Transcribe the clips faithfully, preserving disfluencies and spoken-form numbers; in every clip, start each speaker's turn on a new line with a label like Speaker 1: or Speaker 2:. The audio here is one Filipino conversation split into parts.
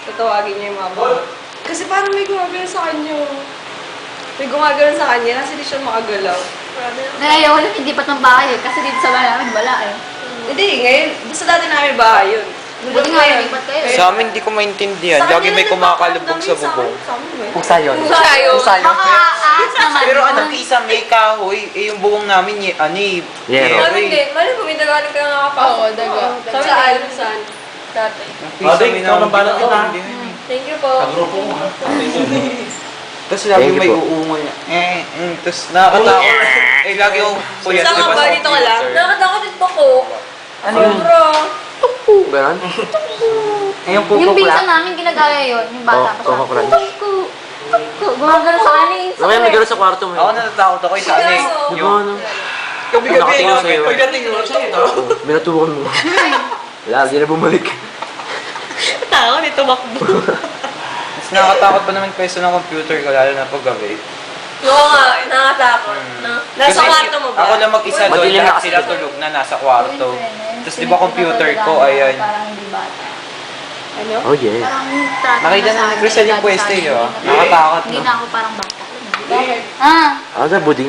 Speaker 1: tatawagin niya yung mga bata. Kasi parang may gumagano sa kanya. May gumagano sa kanya, kasi di siya makagalaw.
Speaker 2: Ngayon, wala hindi pa ng bahay eh. Kasi dito sa bahay namin, wala eh.
Speaker 1: Hindi, ngayon, sa dati namin bahay yun.
Speaker 2: Buti nga, nalipat kayo eh.
Speaker 3: Sa amin, di ko maintindihan. Lagi may kumakalubog sa bubong.
Speaker 4: Pusa yun.
Speaker 1: Pusa yun.
Speaker 4: Pusa yun.
Speaker 2: Makaaas naman.
Speaker 3: Pero ano, isang may kahoy, eh yung bubong namin, y- ano eh,
Speaker 4: Yero.
Speaker 1: Ano hindi, mali po, may dagaling ka nga kapasok.
Speaker 5: Oo, daga.
Speaker 1: Sabi saan? Saan? Dati.
Speaker 3: Pisa may namin hindi
Speaker 1: Thank you po.
Speaker 6: Grupo mo ha.
Speaker 3: Tapos lagi
Speaker 4: Thank you
Speaker 3: may
Speaker 4: po.
Speaker 3: uungo niya. Eh, mm, tapos nakakatakot. Eh, lagi yung puyat,
Speaker 1: Saan
Speaker 3: di
Speaker 1: nga
Speaker 3: ba?
Speaker 1: ba?
Speaker 3: sa
Speaker 1: Dito ka lang?
Speaker 3: computer.
Speaker 1: Nakakatakot din po ko.
Speaker 4: Ano yun?
Speaker 1: Sobra.
Speaker 4: Ganon? Eh, yung
Speaker 2: Yung
Speaker 4: kukuk
Speaker 2: pinsan
Speaker 4: lang.
Speaker 2: namin, ginagaya yun. Yung bata
Speaker 4: Oh,
Speaker 2: pa siya.
Speaker 4: Coco Crunch.
Speaker 2: Tuku, tuku. Gumagano sa kanin.
Speaker 4: Ano kaya may gano'n sa kwarto mo?
Speaker 3: Ako natatakot ako yung sa ano eh.
Speaker 4: Di ba
Speaker 3: Yung
Speaker 4: ano?
Speaker 3: gabi-gabi
Speaker 4: Nakatingin
Speaker 3: na.
Speaker 4: sa'yo.
Speaker 6: Pagdating mo siya ito.
Speaker 4: Oh, binatukan mo. Wala, di na bumalik.
Speaker 1: Tao, nito makbo.
Speaker 3: Mas nakakatakot pa naman pwesto ng computer ko, lalo na pag gabi.
Speaker 1: Oo nga, nakakatakot. No? Nasa
Speaker 3: Kasi
Speaker 1: kwarto mo ba?
Speaker 3: Ako lang mag-isa doon,
Speaker 4: Madilim na
Speaker 3: lahat
Speaker 4: kasi
Speaker 3: sila
Speaker 4: doon.
Speaker 3: tulog na nasa kwarto. Tapos di ba computer ko,
Speaker 2: Parang
Speaker 3: ayan.
Speaker 2: Parang hindi bata.
Speaker 1: Ano?
Speaker 4: Oh yeah.
Speaker 2: Parang trato
Speaker 3: Nakita na ni Crystal yung pwesto eh, oh. Nakatakot,
Speaker 2: Hindi
Speaker 3: no?
Speaker 2: na ako parang bata. Ah!
Speaker 4: Ano sa buding?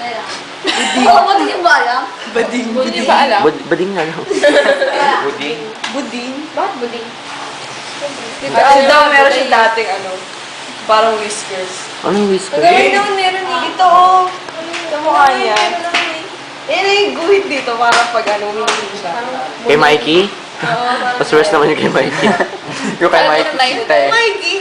Speaker 2: Oo, ba't hindi ba alam?
Speaker 1: Bading.
Speaker 5: Hindi ba alam?
Speaker 4: Bud buding nga no?
Speaker 3: Buding.
Speaker 1: Buding?
Speaker 2: Bakit buding?
Speaker 1: Kasi daw meron siya dating ano, parang whiskers.
Speaker 4: Ano yung whisker?
Speaker 1: Ngayon naman meron eh. Ito oh. Sa mukha niya. Yan na yung guhit dito para pag ano, hindi siya.
Speaker 4: Kay Mikey?
Speaker 1: Oo,
Speaker 4: Mas worse naman yung kay Mikey. Yung kay
Speaker 5: Ano
Speaker 4: Mikey.
Speaker 5: na yun?
Speaker 4: Tay.
Speaker 1: Mikey.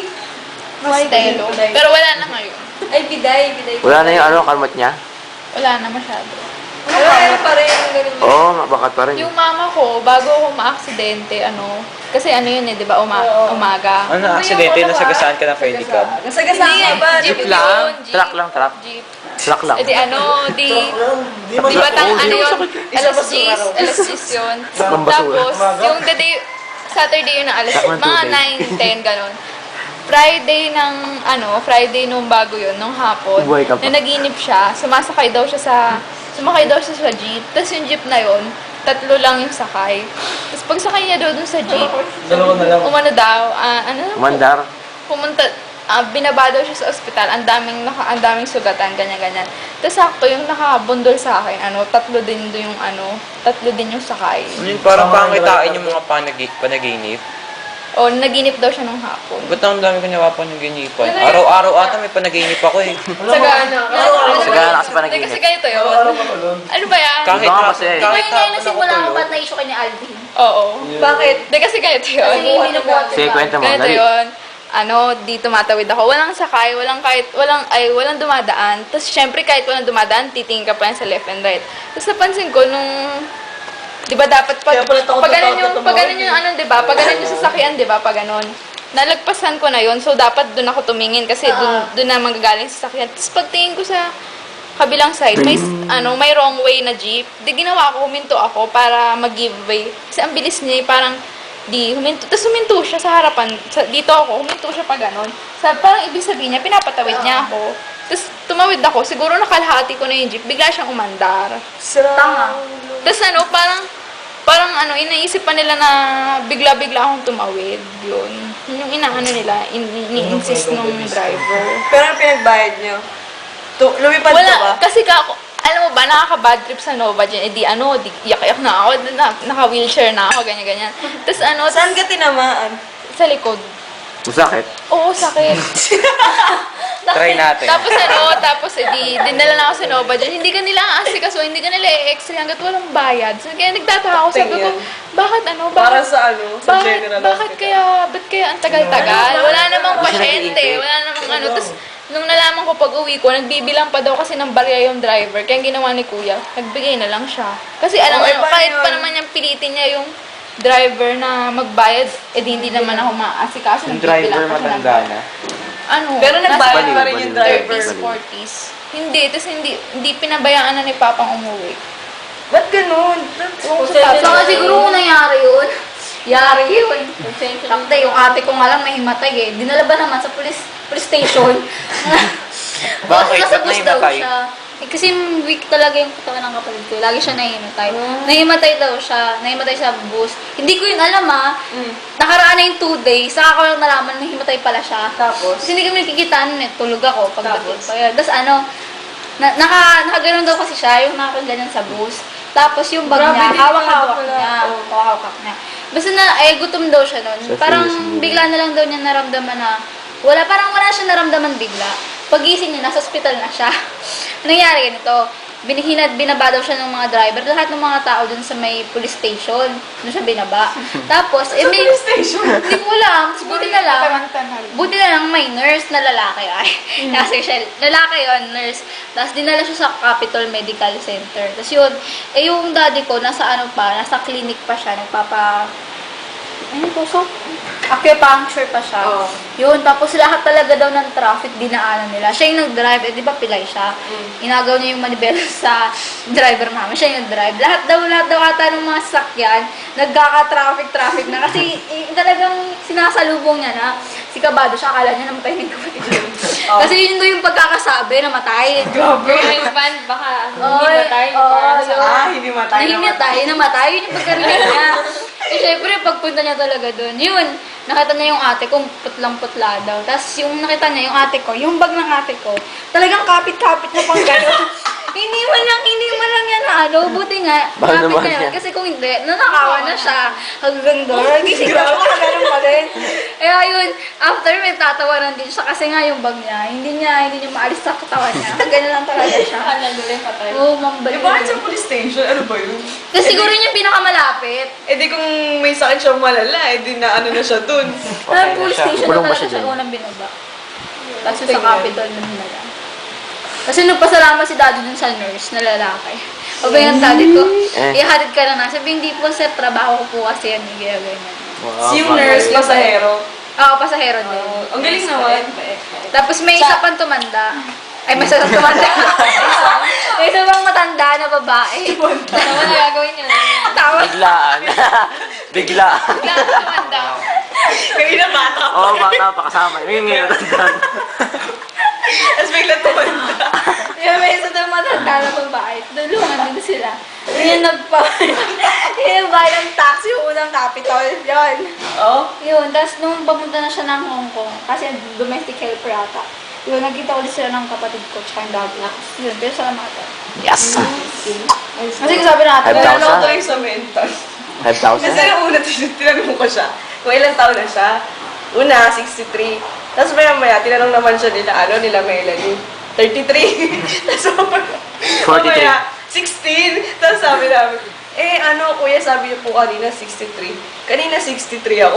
Speaker 5: Stelo. Pero wala na ngayon.
Speaker 1: Ay, biday, biday.
Speaker 4: Wala na yung ano, kalmat niya?
Speaker 5: Wala na masyado.
Speaker 1: Pero meron pa rin yung ganun.
Speaker 4: Oo, oh, mabakat pa rin.
Speaker 5: Yung mama ko, bago ako ma-aksidente, ano, kasi ano yun eh, di ba, uma
Speaker 1: Oo.
Speaker 5: umaga.
Speaker 3: Ano na, aksidente, nasagasaan ka ng pedicab.
Speaker 1: Nasagasaan ka ba?
Speaker 5: Jeep
Speaker 4: Jeep lang.
Speaker 5: yun, jeep.
Speaker 4: Truck lang, truck.
Speaker 5: Jeep.
Speaker 4: Truck lang.
Speaker 5: Eh di ano, di...
Speaker 6: Di mo
Speaker 5: Di ba tang
Speaker 4: Oo,
Speaker 5: ano
Speaker 4: di
Speaker 5: yun?
Speaker 4: mo sakit.
Speaker 5: Alas diyes, alas diyes yun.
Speaker 4: Saklang basura.
Speaker 5: Tapos, yung the day, Saturday yun na alas,
Speaker 4: Saklang
Speaker 5: mga
Speaker 4: tubig.
Speaker 5: nine, ten, ganon. Friday ng, ano, Friday nung bago yun, nung hapon,
Speaker 4: Buhay ka pa.
Speaker 5: na naginip siya, sumasakay daw siya sa, sumakay daw siya sa jeep. Tapos yung jeep na yun, tatlo lang yung sakay. Tapos pag sakay niya daw dun sa jeep,
Speaker 6: Dalawa na lang.
Speaker 5: umano daw, ah, ano,
Speaker 4: Mandar.
Speaker 5: pumunta, ah, binaba daw siya sa ospital, ang daming, naka, ang daming sugatan, ganyan-ganyan. Tapos sakto, yung nakabundol sa akin, ano, tatlo din do yung, ano, tatlo din yung sakay.
Speaker 3: Ano yun, parang pangitain yung mga panagi panaginip.
Speaker 5: O, naginip daw siya nung hapon.
Speaker 3: Ba't ang dami ko napapanaginipan? Araw-araw ata may panaginip ako eh.
Speaker 1: Sagana.
Speaker 4: Sagana kasi
Speaker 5: Hindi,
Speaker 4: panaginip.
Speaker 5: kasi ganito yun.
Speaker 6: Ano ba ko doon?
Speaker 5: Ano ba yan?
Speaker 3: Kahit
Speaker 4: Iba
Speaker 3: hapon,
Speaker 4: kasi eh.
Speaker 2: Ito
Speaker 3: kahit
Speaker 2: yung ngayon
Speaker 3: hapon ako
Speaker 2: nasimula ko
Speaker 3: tulog.
Speaker 2: ba't na-issue kay ni Alvin?
Speaker 5: Oo.
Speaker 1: Bakit?
Speaker 5: Hindi, kasi ganito yun.
Speaker 2: Kasi hindi binubuhat
Speaker 4: Sige, kwento mo.
Speaker 5: Ganito
Speaker 4: Dali.
Speaker 5: yun. Ano, di tumatawid ako. Walang sakay, walang kahit, walang, ay, walang dumadaan. Tapos, syempre, kahit walang dumadaan, titingin ka pa yan sa left and right. Tapos, napansin ko, nung, di ba dapat pag,
Speaker 1: Kaya pala takot
Speaker 5: pag
Speaker 1: na
Speaker 5: ganun
Speaker 1: takot
Speaker 5: yung,
Speaker 1: na
Speaker 5: pag ganun
Speaker 1: tumawid
Speaker 5: yung, ano, di ba, pag ganun yung sasakyan, di ba, pag ganun. Nalagpasan ko na yun, so dapat doon ako tumingin kasi doon, doon na manggagaling sa sasakyan. Tapos, pagtingin ko sa kabilang side, may, ano, may wrong way na jeep. Di ginawa ko, huminto ako para mag-give way. Kasi ang bilis niya, eh, parang, di, huminto. Tapos huminto siya sa harapan. Sa, dito ako, huminto siya pa ganon. Sa, parang ibig sabihin niya, pinapatawid niya ako. Tapos tumawid ako, siguro nakalahati ko na yung jeep, bigla siyang umandar.
Speaker 2: Tanga.
Speaker 5: Tapos ano, parang, parang ano, inaisip pa nila na bigla-bigla akong tumawid. Yun. Yun yung inaano nila, in, ini-insist nung driver.
Speaker 1: Pero ang pinagbayad niyo? Tu lumipad ka ba?
Speaker 5: Wala, kasi ka ako, alam mo ba, nakaka-bad trip sa Nova dyan. Eh di ano, di yak-yak na ako, na, naka-wheelchair na ako, ganyan-ganyan. Tapos ano,
Speaker 1: Saan ka tinamaan?
Speaker 5: sa likod.
Speaker 4: Masakit.
Speaker 5: Oo, sakit.
Speaker 3: Try natin.
Speaker 5: Tapos ano, tapos edi, dinala na ako sa Nova dyan. Hindi ka nila aasikaso, hindi ka nila i-x-ray hanggat walang bayad. So, kaya nagtataka ako, sabi ko, bakit ano,
Speaker 1: Para
Speaker 5: bakit,
Speaker 1: sa ano? Sa
Speaker 5: bakit,
Speaker 1: general
Speaker 5: bakit
Speaker 1: hospital.
Speaker 5: kaya, ba't kaya ang tagal-tagal? Wala namang
Speaker 4: Hindi siya
Speaker 5: pasyente,
Speaker 4: nag-iintay.
Speaker 5: wala namang ano. Tapos, nung nalaman ko pag uwi ko, nagbibilang pa daw kasi ng barya yung driver. Kaya ang ginawa ni Kuya, nagbigay na lang siya. Kasi alam
Speaker 1: Oh,
Speaker 5: mo,
Speaker 1: eh, paano
Speaker 5: kahit pa
Speaker 1: yun?
Speaker 5: naman niyang pilitin niya yung driver na magbayad, eh di hindi naman ako maasikaso.
Speaker 3: Yung
Speaker 5: nagbibilang
Speaker 3: driver
Speaker 5: pa siya ng
Speaker 3: matanda na.
Speaker 5: ano,
Speaker 1: Pero nagbayad
Speaker 4: Baliw,
Speaker 1: pa rin yung
Speaker 4: baliw.
Speaker 1: driver.
Speaker 5: thirties, forties. Hindi, tapos hindi, hindi pinabayaan na ni Papang umuwi.
Speaker 1: Ba't ganun?
Speaker 5: Ewan ko sa
Speaker 2: So,
Speaker 5: tatay.
Speaker 2: nga siguro kung nangyari yun. Yari yun. Takte, yung ate ko nga lang may himatay eh. Dinala ba naman sa police, police station?
Speaker 3: Bakit?
Speaker 2: Nasa
Speaker 3: Ba't
Speaker 2: bus daw
Speaker 3: nahimatay?
Speaker 2: siya. Eh, kasi weak talaga yung katawan ng kapatid ko. Lagi siya nahimatay. Nahimatay daw siya. Nahimatay sa bus. Hindi ko yun alam ah.
Speaker 1: Mm.
Speaker 2: Nakaraan na yung two days. Saka ko lang nalaman na nahimatay pala siya.
Speaker 1: Tapos?
Speaker 2: Kasi hindi kami nakikita nun eh. Tulog ako pagdating
Speaker 1: Tapos?
Speaker 2: pa yun. Tapos ano, na, naka, nakaganon daw kasi siya, yung nakaganyan sa bus. Tapos yung bag
Speaker 1: Grabe,
Speaker 2: niya,
Speaker 1: delikado
Speaker 2: hawak-hawak
Speaker 1: pala.
Speaker 2: niya.
Speaker 1: Oh.
Speaker 2: Hawak-hawak niya. Basta na, ay gutom daw siya nun.
Speaker 4: Sa
Speaker 2: Parang
Speaker 4: Facebook.
Speaker 2: bigla na lang daw niya naramdaman na, wala, parang wala siya naramdaman bigla. Pagising niya, nasa ospital na siya. Nangyari ganito, binihinad, binaba daw siya ng mga driver, lahat ng mga tao dun sa may police station, doon siya binaba. Tapos, eh,
Speaker 1: Sa
Speaker 2: may,
Speaker 1: police station?
Speaker 2: hindi ko alam, Tapos buti na lang, buti na lang may nurse na lalaki, ay, kasi siya, lalaki yon nurse. Tapos dinala siya sa Capitol Medical Center. Tapos yun, eh yung daddy ko, nasa ano pa, nasa clinic pa siya, nagpapa, ano po, so, acupuncture pa siya.
Speaker 1: Oo.
Speaker 2: Yun, tapos lahat talaga daw ng traffic dinaanan nila. Siya yung nag-drive, eh di ba pilay siya? Inagaw niya yung manibela sa driver namin. Siya yung nag-drive. Lahat daw, lahat daw ata ng mga sasakyan, nagkaka-traffic-traffic na. Kasi eh, talagang sinasalubong niya na. Si Kabado siya, akala niya namatay na yung kapatid niya. Kasi yun daw yung pagkakasabi, namatay.
Speaker 1: Grabe.
Speaker 5: Yung band, baka
Speaker 2: Oy,
Speaker 5: hindi matay.
Speaker 2: oo,
Speaker 5: parang sa-
Speaker 2: yun.
Speaker 1: Ah, hindi matay.
Speaker 2: Nahimatay, namatay. Yun yung pagkarinig niya. Eh, syempre, pagpunta niya talaga doon, yun, nakita niya yung ate ko, putlang-putla daw. Tapos yung nakita niya, yung ate ko, yung bag ng ate ko, talagang kapit-kapit na pang gano'n. Hindi man lang, hindi man lang yan na ano, buti nga,
Speaker 4: Baka
Speaker 2: kapit
Speaker 4: naman
Speaker 2: na yun.
Speaker 4: yan.
Speaker 2: Kasi kung hindi, nanakawa na siya. Hanggang doon, gising na ako, ganun pa rin. Eh, ayun, after may tatawanan din siya, kasi nga yung bag niya, hindi niya, hindi niya maalis sa katawan niya. Ganun lang talaga siya.
Speaker 5: Akala nila yung patay.
Speaker 2: Oo, mambalik.
Speaker 1: Eh, bakit sa police station? Ano ba yun?
Speaker 2: Kasi siguro yun yung pinakamalapit.
Speaker 1: Eh di kung may sakit siyang malala, eh di na ano na siya dun.
Speaker 4: Okay
Speaker 2: Sa
Speaker 4: na
Speaker 2: police
Speaker 4: siya.
Speaker 2: station
Speaker 4: Kulong
Speaker 2: na
Speaker 4: ba
Speaker 2: talaga
Speaker 4: siya
Speaker 2: siya
Speaker 4: dyan?
Speaker 2: unang binaba. Tapos sa
Speaker 1: Tingnan.
Speaker 2: Capitol na nila. Kasi nagpasalamat si daddy dun sa nurse na lalaki. Sabi ng daddy ko,
Speaker 4: Eh.
Speaker 2: ihatid ka na na. Sabi, hindi po sir, trabaho ko po kasi yan. Hindi kaya ganyan.
Speaker 4: Wow,
Speaker 1: Si yung
Speaker 4: bakit?
Speaker 1: nurse, pasahero.
Speaker 2: Oo, pasahero din.
Speaker 1: Ang galing naman.
Speaker 2: Tapos may isa pang tumanda. Ay, may isa pang tumanda. May isa pang matanda na babae.
Speaker 5: Ano na gagawin yun?
Speaker 2: Tawa.
Speaker 4: Biglaan. Biglaan.
Speaker 5: Lahat tumanda.
Speaker 1: Kami na bata.
Speaker 4: Oo, oh, bata pa kasama. Yung ngayon natandaan.
Speaker 1: Tapos bigla tumanda.
Speaker 2: Yung may isa pang matanda na babae. Dulungan din sila. Yung nagpa... yung bayad ng taxi, yung unang capital. Yun.
Speaker 1: Oh?
Speaker 2: Yun, tapos nung pamunta na siya ng Hong Kong, kasi domestic helper ata, yun, nagkita ulit sila ng kapatid ko, tsaka yung dad na. Yun, pero salamatan.
Speaker 4: Yes!
Speaker 2: Kasi sabi natin,
Speaker 4: Five
Speaker 1: Wala
Speaker 4: thousand.
Speaker 1: na ako tuloy sa mental.
Speaker 4: five
Speaker 1: Kasi
Speaker 4: thousand.
Speaker 1: nung una, tin- tinanong ko siya, kung ilang taon na siya. Una, sixty-three. Tapos maya maya, tinanong naman siya nila, ano, nila Melanie. thirty-three. Tapos
Speaker 4: forty-three.
Speaker 1: mamaya, sixteen. Tapos sabi namin, eh ano, kuya, sabi niyo po kanina sixty-three. Kanina sixty-three ako.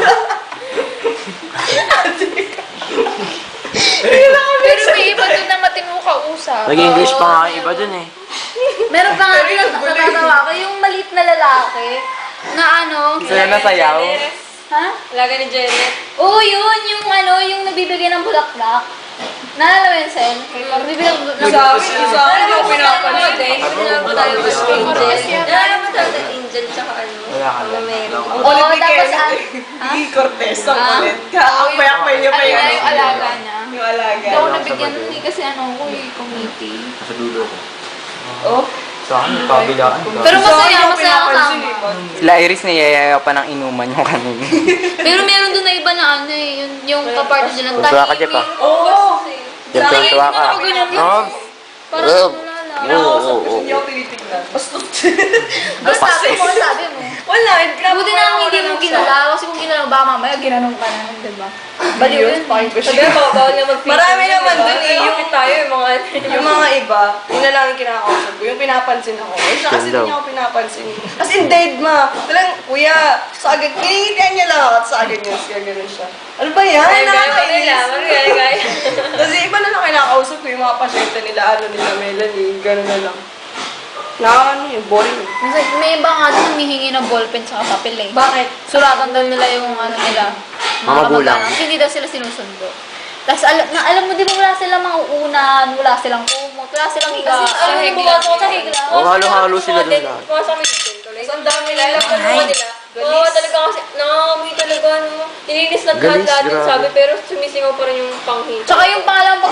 Speaker 5: Pero may iba doon na matino kausap.
Speaker 4: Nag-English pa nga yung iba dun eh.
Speaker 2: meron pa nga
Speaker 1: Pero
Speaker 2: din
Speaker 1: yung
Speaker 2: na
Speaker 1: gulo eh.
Speaker 2: natatawa ko, yung maliit na lalaki, na ano,
Speaker 3: Sila na sayaw.
Speaker 2: ha?
Speaker 5: Laga ni Janet.
Speaker 2: Oo, yun, yung ano, yung nagbibigay ng bulaklak. Naalala mo yun, Sen? Nagbibigay ng bulaklak.
Speaker 1: Sa akin, sa akin yung pinapansin.
Speaker 5: Wala ba tayo mas angel? Wala ba tayo ng angel tsaka ano?
Speaker 3: Wala ka lang.
Speaker 5: Mary.
Speaker 1: Ang
Speaker 2: Oo,
Speaker 1: kulit ni
Speaker 2: tapos
Speaker 1: Kenneth
Speaker 2: ang-
Speaker 1: eh. Gigi Cortez, ang
Speaker 2: Ah?
Speaker 1: kulit. Ang payak-pay niya pa
Speaker 5: Ano
Speaker 1: yun.
Speaker 5: na yung alaga niya?
Speaker 1: Yung alaga.
Speaker 5: Hindi ako nabigyan nun eh, kasi ano ko eh, committee.
Speaker 4: Sa dulo ko.
Speaker 1: Oh.
Speaker 3: Sa akin, yung kabilaan.
Speaker 5: Pero
Speaker 1: Sa
Speaker 5: masaya,
Speaker 1: akin yung
Speaker 5: masaya
Speaker 1: pinapansin
Speaker 5: kasama.
Speaker 1: eh.
Speaker 3: Sila Iris niyayaya pa ng inuman yung kanina.
Speaker 2: Pero meron doon na iba na ano eh, yung, yung kapartner dyan, ang
Speaker 4: Tuwa ka, Jeff, ah.
Speaker 1: Oo.
Speaker 4: Yan,
Speaker 2: Sa akin,
Speaker 4: tuwa ka.
Speaker 2: ako ganyan lang.
Speaker 4: Rob!
Speaker 2: Parang
Speaker 4: Rob!
Speaker 2: wala lang.
Speaker 1: Kinakausap
Speaker 4: Oo,
Speaker 1: ko
Speaker 4: oo.
Speaker 1: hindi ako tinitignan. Bastos.
Speaker 2: Ano sabi mo, ano sabi mo?
Speaker 1: Wala, grabe
Speaker 2: Buti na lang hindi mo ginala, kasi kung ginala, baka mamaya ginanong ka na, di ba? Baliw yun.
Speaker 1: Sabi mo, bawal nga mag Marami naman dun eh. Yung,
Speaker 5: tayo yung mga...
Speaker 1: yung mga iba, yun na lang yung kinakausap ko. Yung pinapansin ako. Eh, siya kasi
Speaker 4: Yan daw.
Speaker 1: hindi niya ako pinapansin. Kasi dead ma. Talang, kuya, sa agad, kiningitian niya lang ako at sa agad niya. Kaya ganun siya. Ano ba yan? Nakakainis.
Speaker 5: Marigay-gay.
Speaker 1: Kasi iba na lang kinakausap ko yung mga pasyente nila, ano nila, Melanie, gano'n na lang. Na ano yun, boring.
Speaker 2: Kasi may iba nga doon humihingi ng ballpen sa papel eh.
Speaker 1: Bakit?
Speaker 2: Suratan daw nila yung ano nila.
Speaker 4: Mga magulang.
Speaker 2: kamag-anak. Hindi daw sila sinusundo. Tapos alam, na, alam mo, di ba wala silang mauunan, wala silang kumot, wala silang higa.
Speaker 5: Kasi
Speaker 2: Ano
Speaker 5: sahig
Speaker 2: yung
Speaker 5: lang.
Speaker 2: bukas mo sa higla?
Speaker 4: Oh, halo-halo sila dun lahat.
Speaker 5: Pumasok kami dito. Like,
Speaker 1: Ang dami nila.
Speaker 5: alam ko naman nila. Oo, talaga kasi, nakakamoy talaga, no. Nilinis lahat
Speaker 4: Galis,
Speaker 5: lahat lahat yung
Speaker 4: grabe.
Speaker 5: sabi, pero sumisingaw pa rin yung panghin.
Speaker 2: Tsaka yung pangalang pagpunta ko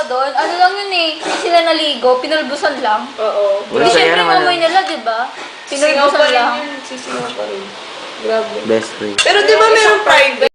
Speaker 2: doon, ano lang yun eh, hindi sila naligo, pinulbusan lang.
Speaker 1: Oo.
Speaker 4: Wala,
Speaker 2: Hindi
Speaker 4: saya
Speaker 2: syempre
Speaker 4: naman
Speaker 2: yung amoy
Speaker 4: yun.
Speaker 2: nila, di ba?
Speaker 1: Singaw pa
Speaker 2: Pinulbusan
Speaker 1: rin
Speaker 2: lang.
Speaker 1: yun. Sisingaw pa rin. Grabe.
Speaker 4: Best friend.
Speaker 1: Pero di ba merong private?